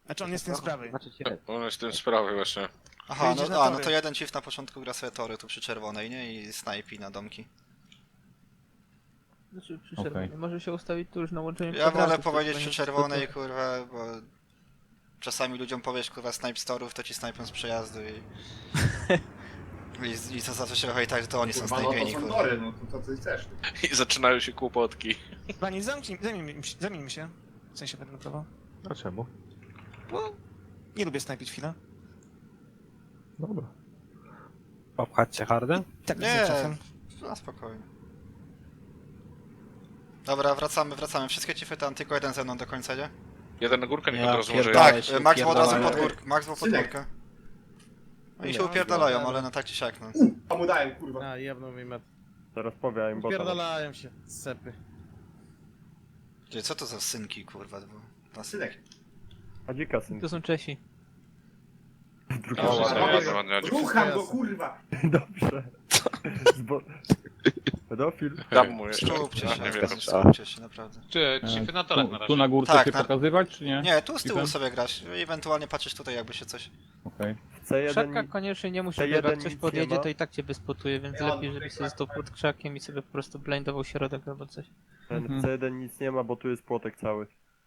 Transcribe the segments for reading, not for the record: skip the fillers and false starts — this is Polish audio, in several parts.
Znaczy on jest ten z prawej. Znaczy ci On jest tym sprawy właśnie. Aha, Wyjdzie na no tory. to jeden chief na początku gra sobie tory tu przy czerwonej, nie? I snajpi na domki. Znaczy przy Okej. czerwonej. Może się ustawić tu już na łączeniu Ja wolę kwadrantów, to powiedzieć chyba przy nie- czerwonej, kurwa, bo czasami ludziom powiesz, kurwa, snipe z torów, to ci snajpią z przejazdu i co zawsze się wychodzi tak, że to oni są Kurwa, no to snajpieni, są kurwa. tory, no to co ty chcesz? I zaczynają się kłopotki. Pani, zamieńmy się. W sensie będę prawo. A czemu? Bo nie lubię snajpić chwilę. Dobra. Popchać cię hardę? Tak, Nie, czasem. na spokojnie. Dobra, wracamy. Wszystkie chiefy tam, tylko jeden ze mną do końca, nie? Jeden na górkę, niech Ja od razu może pierdolę. Tak, się Max był od razu upierdalają. pod górkę. Max był pod Synek. górkę. Oni się Nie, upierdalają, no, ale no tak czy siak, no. A mu dałem, kurwa. A, jebną mi met. Zaraz powiem, bo Pierdalają się, sepy. Gdzie, co to za synki, kurwa? Bo... Synek. Adzika syn. To są Czesi. Drugi O, Dobrze, ładnie, robię ładnie, go. ładnie, ładnie. Rucham go, kurwa. Dobrze. Pedofil. Dam mu jeszcze. Skupcie A, się, nie wiem. skupcie się, naprawdę. Czy chipy na torach na razie? Tu na górce Tak, się na- pokazywać, czy nie? Nie, tu z tyłu Chiefem? sobie grasz, ewentualnie patrzysz tutaj, jakby się coś... Okej. Krzaka koniecznie nie musi, C1 bo jak nic ktoś nie podjedzie, ma. to i tak cię bezpotuje, więc Ja mam lepiej, żeby tutaj sobie stał pod krzakiem i sobie po prostu blindował środek albo coś. Ten C1 nic nie ma, bo tu jest płotek cały.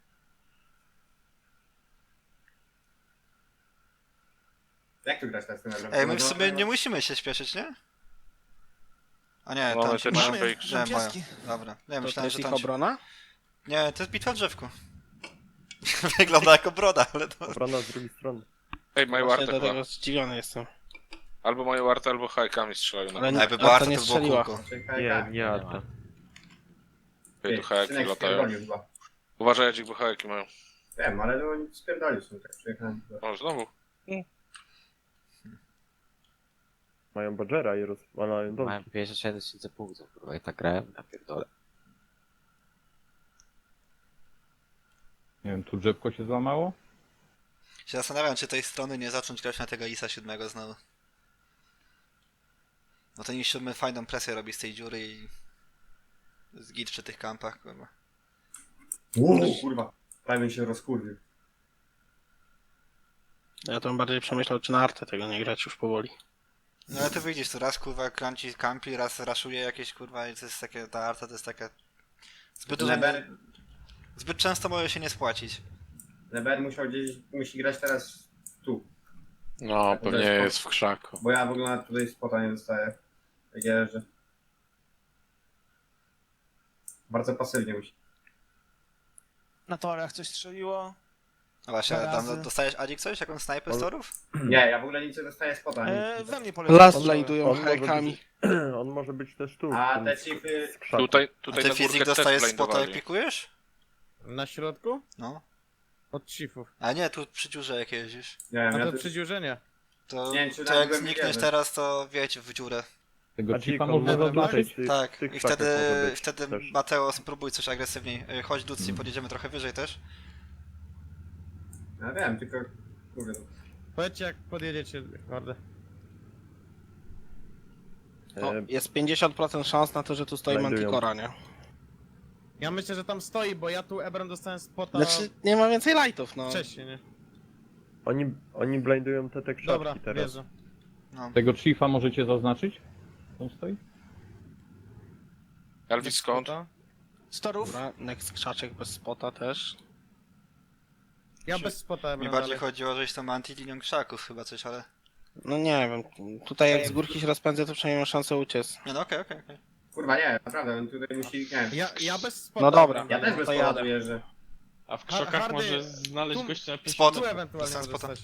Jak tu grać teraz ten Ebram? Ej, my w sumie nie musimy się śpieszyć, nie? A nie, Mamy tam się... te Mamy... drzwi. Nie, mają. Szampiański. Dobra. Nie, To myślałem, jest że ich tam się... obrona? Nie, to jest bitwa w drzewku. Wygląda jako broda, ale to... Obrona z drugiej strony. Ej, mają Właśnie artę do chyba. tego zdziwiony jestem. Albo mają artę, albo hajkami strzelają. Ale Na Jakby A była to arta, nie to było strzeliła. kółko. Czekaj, Nie, tak. nie Arta. Ej, tu hajki Synek latają. spierdolił chyba. Uważaj, Jadzik, bo hajki mają. Wiem, ale no oni spierdolił są tak, przyjechałem. O, znowu. Mają Badgera i rozwalają dom. Mają 57 tysięcy punktów, kurwa, i tak grałem, na pierdolę. Nie wiem, tu drzewko się złamało? Się zastanawiam, czy tej strony nie zacząć grać na tego ISA 7 znowu. No ten IS 7 fajną presję robi z tej dziury i... Z git przy tych kampach, kurwa. Kurwa. Prawie się rozkurwił. Ja to bym bardziej przemyślał, czy na artę tego nie grać już powoli. No ale ty wyjdziesz tu raz, kurwa, kranci kampi, raz raszuje jakieś, kurwa, i to jest takie... Ta arta to jest taka... Zbyt dużo... Leber, Zbyt często może się nie spłacić. Leber musi grać teraz tu. No, To pewnie jest jest w krzaku. Bo ja w ogóle tutaj spota nie dostaję. Tak że bardzo pasywnie musi. Na torach coś strzeliło. No właśnie, Dwa tam razy. dostajesz Adzik coś? Jakąś snajpę z torów? Nie, ja w ogóle nic nie dostaję spota. We mnie poleciał. Las On- blindują on może hajkami. być- On może być też tu. A ten te z- chipy... z krzaku. A Tutaj ty na fizyk górkę też dostajesz spota jak blindowali. pikujesz? Na środku? No. Od chiefów. A nie, tu przy dziurze jak jeździsz. Nie wiem, A ja to tu... przydziurzenie. To, Nie wiem, czy to nawet jak byłem znikniesz widziany. teraz, to wieć w dziurę. Tego Adzik, chipa on można może zaznaczyć. być? Tych, Tak, tych i krzakach może być wtedy też. Mateo spróbuj coś agresywniej. Chodź Ducy, podjedziemy trochę wyżej też. Ja wiem, tylko... Kurde, no. Powiedzcie jak podjedziecie, hordę. No, E, jest 50% szans na to, że tu stoi Znajdują. Manticora, nie? Ja myślę, że tam stoi, bo ja tu Ebrem dostałem spota Znaczy, nie ma więcej lightów, no. wcześniej, nie? Oni blindują te krzaki Dobra, teraz. wierzę. No. Tego chiefa możecie zaznaczyć? On stoi? Elvis skąd? Spota. Z torów. Dobra, next krzaczek bez spota też. Ja bez spota Mi Ebrem bardziej dalej. chodziło, żeś tam anti-linią krzaków chyba coś, ale... No nie wiem, tutaj jak z górki się rozpędzę, to przynajmniej mam szansę uciec. Nie no, okej. Kurwa nie, naprawdę, on tutaj musi... Nie wiem. Ja bez spota. No dobra. Ja też bez to spota jadę. tu jeżdżę. A w Ha- krzakach hardy, może znaleźć tu- gościa na 5 Spot. Tu ewentualnie Dostałem może spota. stać.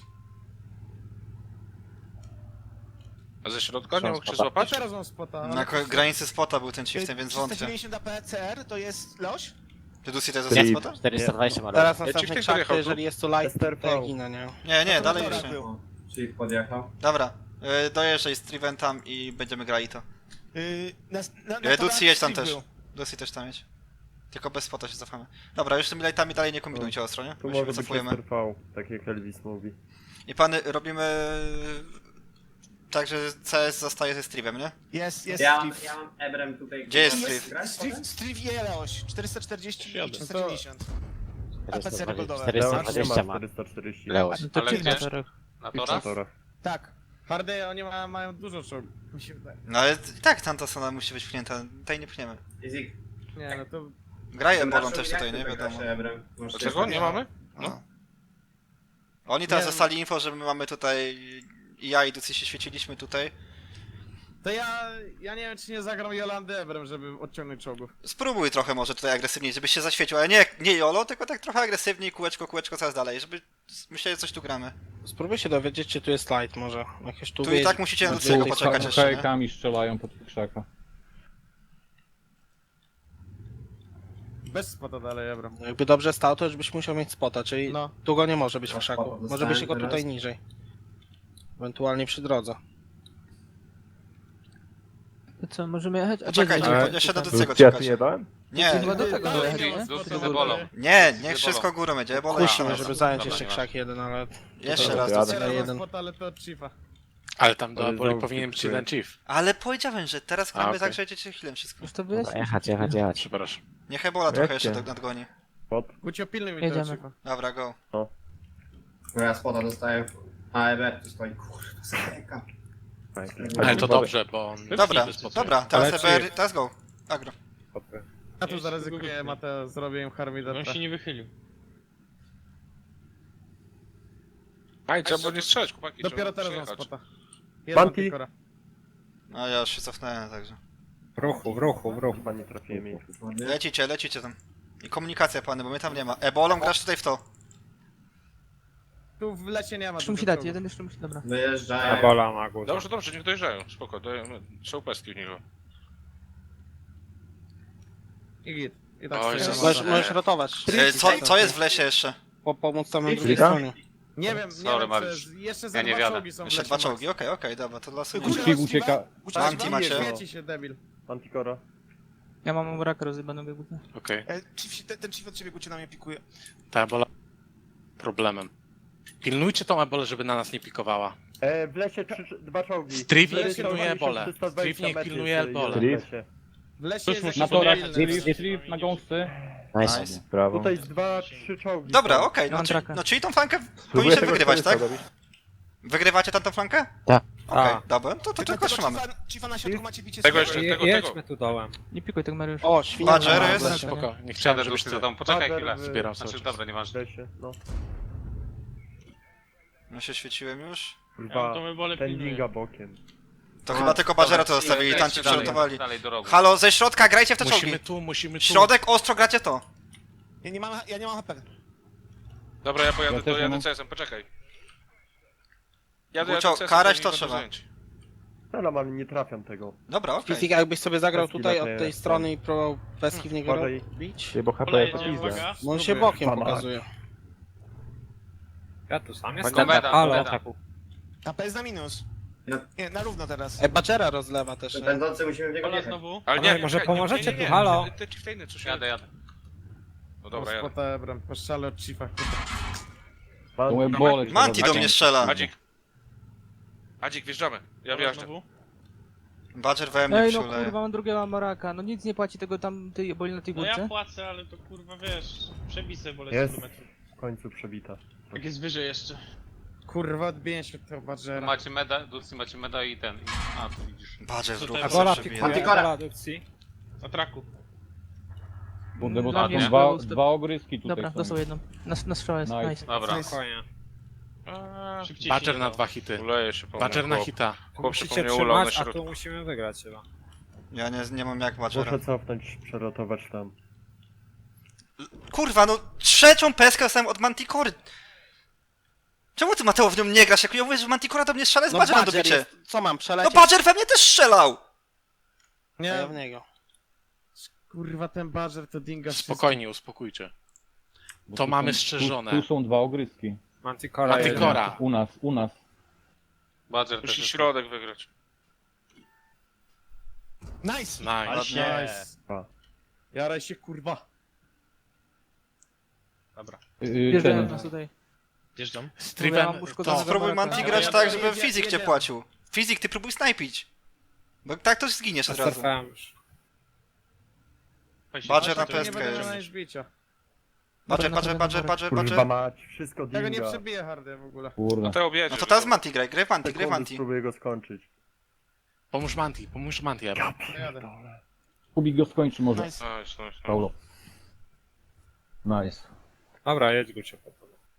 A ze środka nie mógł cię spota. A złapać? teraz mam spota. ale Na to- granicy spota był ten chieftain, więc wątpię. 390 APCR to jest Leoś? Ty Ducy też Ty- dostałeś spota? 420 ma Teraz Ja następny ci krzak, jechał to tu? jeżeli jest tu light, STRV. to ja ginę, nie? Nie, No to dalej na już torach nie. był. O, czyli podjechał. Dobra, dojeżdżaj z Triven tam i będziemy grali to. Na Ducy torach jedź tam Steve też. był. Ducy też tam jedź. Tylko bez spota się cofamy. Dobra, już z tymi lightami dalej nie kombinujcie ostro, nie? Tu Bo się może być wycofujemy. STRV, tak jak Elvis mówi. I pany, robimy... Tak, że CS zostaje ze Strivem, nie? Jest Ja mam Steve. Ebrem tutaj... Gdzie jest kurwa, Steve? grać potem? Steve i Leoś. 440 i Jadę. 490. APC goldowe. 420 ma. 440. Leoś. No To Ale czyli gdzie? na torach. Na Na torach? torach. Tak. Hardy, oni mają dużo czołgów. Mi się wydaje. No ale i tak tamta strona musi być pchnięta, tutaj nie pchniemy. Easy. Nie, no to... Graje Tym Ebolą naszym też jak tutaj, nie ty wiadomo. grasz, Ebrem? Masz Dlaczego? Nie mamy? No. Oni teraz Nie, dostali info, że my mamy tutaj... I ja i Ducy się świeciliśmy tutaj. To ja nie wiem, czy nie zagram Jolandy Ebrem, żeby odciągnąć czołgów. Spróbuj trochę może tutaj agresywniej, żebyś się zaświecił, ale nie Jolo, tylko tak trochę agresywniej, kółeczko coraz dalej, żeby myśleli, że coś tu gramy. Spróbuj się dowiedzieć, czy tu jest light może. Jakieś tu Tu i wiedzie. tak musicie na Ducy'ego poczekać jeszcze, nie? Hejkami strzelają pod krzaka. Bez spota dalej Ebrem. Jakby dobrze stał, to już byś musiał mieć spota, czyli No. tu go nie może być w No, krzaku. spota Może być dostałem go tutaj teraz. niżej. Ewentualnie przy drodze. To co, możemy jechać? A Poczekajcie, gdzie- bo jeszcze do gdzie- Ducy'ego Ja tu czekać. nie dałem? Nie, Chyba do tego Dalej dojechać, nie nie? ma Ducy spota z Ebolą. dalej. nie, niech Ebolą. wszystko górą będzie, Ebola Musimy, jeszcze żeby raz. zająć Dobra, jeszcze nie ma. krzak jeden, ale... Jeszcze Dobra, raz to jadę. Ducy'ego. Teraz jeden. ma spota, ale to od Chiefa. Ale tam do Ale Eboli znowu powinien być skipuję. jeden chief. Ale powiedziałem, że teraz gramy okej. tak, że jedziecie chwilę wszystko. Już to Dobra, wyjaśnić. jechać. Przepraszam. Niech Ebola trochę Jakie? jeszcze nadgoni. Gucio, pilnuj mi tego Jedziemy. Chiefa. Dobra, go. No ja spota dostaję. A Eber tu stoi. Kurwa, skręka. Ale to dobrze, bo on... Dobra, bez powodu. dobra, teraz EBR, teraz go. Agro. Ja tu zaryzykuję, Mateo, zrobię im Harmidata. nie wychylił. Aj, trzeba było nie strzelać, chłopaki. Dopiero trzeba teraz mam przyjechać. spota. Jeden Banti. Tikora. No ja już się cofnąłem, także. W ruchu. Chyba nie trafiłem jej. Lecicie tam. I komunikacja, pany, bo mnie tam nie ma. Ebolą grasz tutaj w to. Tu w lesie nie ma Jeszcze musi dużo dać, czołgów. jeden jeszcze musi, dobra. Wyjeżdżają. ma górę. Dobrze, niech dojeżdżają. Spoko, dajemy. Są peski w niego. I git. I tak O, stoję. Jezus. Możesz rotować. Co jest w lesie jeszcze? Pomóc tam na drugiej Trika? stronie. Nie wiem, Sorry, co Mariusz. jest. Jeszcze za Ja nie dwa wiadę. czołgi są w Jeszcze lesie. dwa czołgi, okej, dobra, to losuję. Chief ucieka. Anti macie. Świeci się, debil. Antikora. Ja mam raka rozjebanego głównie. Okej. Ten chief od ciebie Gucio na mnie pikuje. Ta Ebola... Problemem. Pilnujcie tą Ebolę, żeby na nas nie pikowała. W lesie dwa czołgi. Striv niech Lesie pilnuje 20, Ebolę. 320 Striv niech metrów pilnuje jest Ebolę. jeden w lesie. W lesie jest musi jakiś Na torach, debilny. Striv na gąsce. Nice. Tutaj jest 2-3 czołgi. Dobra, są. okej, Mam traka. no czyli tą flankę Spróbuję powinniście tego wygrywać, tak? 400 robić. Wygrywacie tamtą flankę? Tak. Okej, dobra, to tylko Tego trzymamy. Chiefa na środku macie bicie Tego sobie. jeszcze, tego. tu dołem. Nie pikuj tak, Mariusz. O, świnia. Badger na jest? lesie. Spoko, nie chciałem, żebyś ty... Poczekaj Badger chwilę. w- Zbieram Znaczy, sobie. dobra, W nieważne. lesie, no. Ja się świeciłem już. Kurwa, pendinga bokiem. To chyba tylko Badgera to zostawili, tam ci przygotowali. Dalej do rogu. Halo, ze środka grajcie w te czołgi. Musimy tu. Środek, ostro gracie to. Ja nie mam HP. Dobra, ja pojadę, Ja też dojadę mam. CS-em, poczekaj. Jadę Gucio, CS-em, karać nie to będą trzeba. zajęci. Ale mam, nie trafiam tego. Dobra, okej. Fizik, jakbyś sobie zagrał Peski tutaj na od tej- tej strony i próbował peski w niego Uważaj. bić. Bo HP to pizda. Bo on się bokiem Pana. pokazuje. Ja tu sam jestem. Halo. HP jest na minus. No. Nie, na równo teraz. Badgera rozlewa też, nie? Będący musimy w niego wjechać. Ale nie, może nie, pomożecie nie, tu, halo? Te chieftainy, co się... Jadę. No dobra, jadę. Spota Ebrem, poszczale od Chiefa. Manti do mnie strzela. Adzik, wjeżdżamy. Ja wjeżdżam. Badger we mnie Ej, no przyleje. kurwa, mam drugiego Amoraka. No nic nie płaci tego tam, tej boli na tej No ja górce. płacę, ale to kurwa wiesz, przebisy wolę Jest. 100 metrów. W końcu przebita. Jak jest wyżej jeszcze. Kurwa, odbiję się od tego Badgera. Macie meda, Ducy macie meda i ten. A, tu widzisz. Badger w Tutaj ruchu Ebola sobie przebije. Antikora. Na traku. Bundę, bo Dla tam mnie dwa było sto- ogryski tutaj Dobra, są. dostał jedną. Na strzała jest, Nice. nice. Dobra. Nice. Szybciej Badger się na nie 2 hity. Uleje się po Badger mnie, na chłop. hita. Chłop się po mnie ulał na środku. musimy wygrać chyba. Ja nie mam jak Badgera. Muszę cofnąć, przerotować tam. Kurwa, no trzecią peskę dostałem od Mantikory. Czemu ty, Mateo, w nią nie grasz? Jak ja mówię, że Mantikora do mnie strzela, jest No Badgerem do Badger bicie. jest. Co mam, No przelecieć? Badger we mnie też strzelał! A ja Nie, w niego. kurwa, ten Badger to dinga Spokojnie, uspokójcie. To mamy strzeżone. Tu są dwa ogryski. Mantikora. U nas. Badger Musi środek wygrać. Nice! Nice. Nice. A. Jaraj się, kurwa. Bierzemy Ten, nas tutaj. Wjeżdżam. Ja Strivem mam uszkodzonego to... Spróbuj Amoraka. Manti Ja- grać ja- tak, ja- żeby ja- fizyk ja- cię ja- płacił. Fizyk, ty próbuj snajpić. Bo tak to zginiesz od razu. Badger na Nie pestkę będę jest. miał bicia. Kurwa mać, wszystko Tego nie dinga. przebije hardy w ogóle. Kurde. No to objedzie. No to teraz Manti graj, graj Manti, graj Sekundy Manti. spróbuję go skończyć. Pomóż Manti, Ebron. Jadę. Kubik go skończy może. Nice. Nice. Paulo. Nice. Dobra, jedź go cię.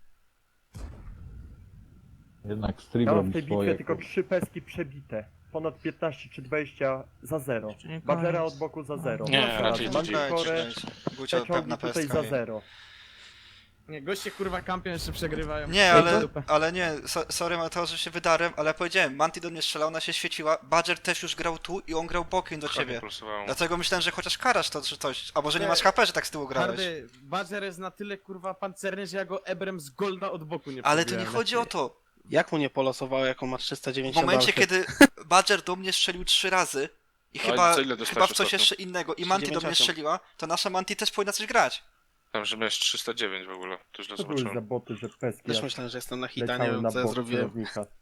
Jednak Strig Ja mam w robi tej bitwie swoje. tylko 3 peski przebite. Ponad 15 czy 20 za 0. Jeszcze nie Badgera koniec. od boku za 0. Nie, raczej Manticore, Gucio te ciągi pewna tutaj pestka. za 0. Nie, goście kurwa kampion jeszcze przegrywają. Nie, Ej, ale, dupę. ale nie, sorry Mateo, że się wydarłem, ale powiedziałem, Manti do mnie strzelał, ona się świeciła, Badger też już grał tu i on grał bokiem do ciebie. Dlatego myślałem, że chociaż karasz to czy coś, albo że nie Nie. masz HP, że tak z tyłu grałeś. Hardy, Badger jest na tyle kurwa pancerny, że ja go ebrem z golda od boku nie Ale to nie przebiłem. chodzi o to. Jak mu nie polosowało, jak on ma W 390 momencie, dalszych? kiedy Badger do mnie strzelił 3 razy i Ale chyba, co ile dostałeś chyba w coś ostatnio? jeszcze innego i Manti do mnie 398. strzeliła, to nasza Manti też powinna coś grać. Tam, że miałeś 309 w ogóle. To źle To były zobaczyłem. za boty, że peski Też aż myślałem, że jestem na hita, nie leciały wiem na co ja bok zrobiłem. celownika.